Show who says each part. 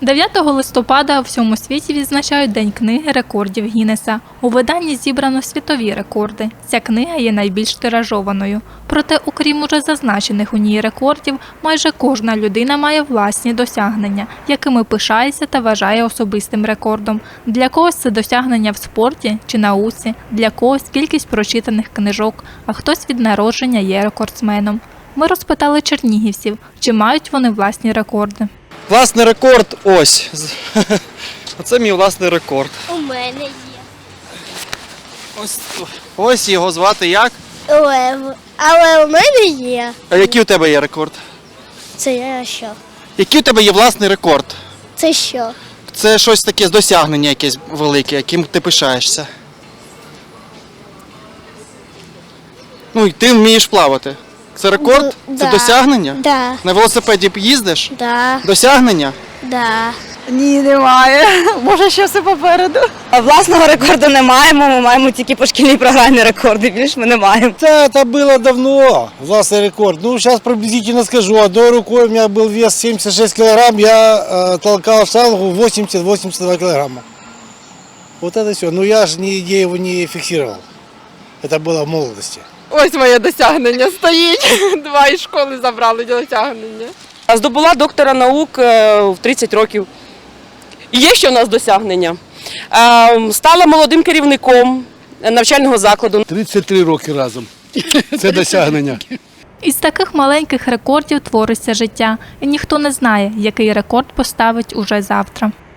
Speaker 1: 9 листопада у всьому світі відзначають День книги рекордів Гіннеса. У виданні зібрано світові рекорди. Ця книга є найбільш тиражованою. Проте, окрім уже зазначених у ній рекордів, майже кожна людина має власні досягнення, якими пишається та вважає особистим рекордом. Для когось це досягнення в спорті чи науці, для когось кількість прочитаних книжок, а хтось від народження є рекордсменом. Ми розпитали чернігівців, чи мають вони власні рекорди.
Speaker 2: Власний рекорд ось. Оце мій власний рекорд.
Speaker 3: У мене є.
Speaker 2: Ось його звати як?
Speaker 3: Лев. Але у мене є.
Speaker 2: А який у тебе є рекорд?
Speaker 3: Це я що?
Speaker 2: Який у тебе є власний рекорд?
Speaker 3: Це що?
Speaker 2: Це щось таке досягнення якесь велике, яким ти пишаєшся. Ну і ти вмієш плавати. Це рекорд? Це
Speaker 3: Да.
Speaker 2: досягнення?
Speaker 3: Да.
Speaker 2: На велосипеді їздиш?
Speaker 3: Да.
Speaker 2: Досягнення?
Speaker 3: Да.
Speaker 4: Ні, немає. Може, ще все попереду. Власного рекорду не маємо, ми маємо тільки по шкільній програмі рекорди, більш ми не маємо.
Speaker 5: Это было давно, властный рекорд. Ну, сейчас приблизительно скажу. Одной рукой у меня был вес 76 килограмм, я толкал штангу 80-82 килограмма. Вот это все. Но я же нигде его не фиксировал. Это было в молодости.
Speaker 6: Ось моє досягнення стоїть. 2 із школи забрали досягнення.
Speaker 4: Здобула доктора наук в 30 років. Є ще у нас досягнення. Стала молодим керівником навчального закладу.
Speaker 7: 33 роки разом. Це досягнення.
Speaker 1: Із таких маленьких рекордів твориться життя, і ніхто не знає, який рекорд поставить уже завтра.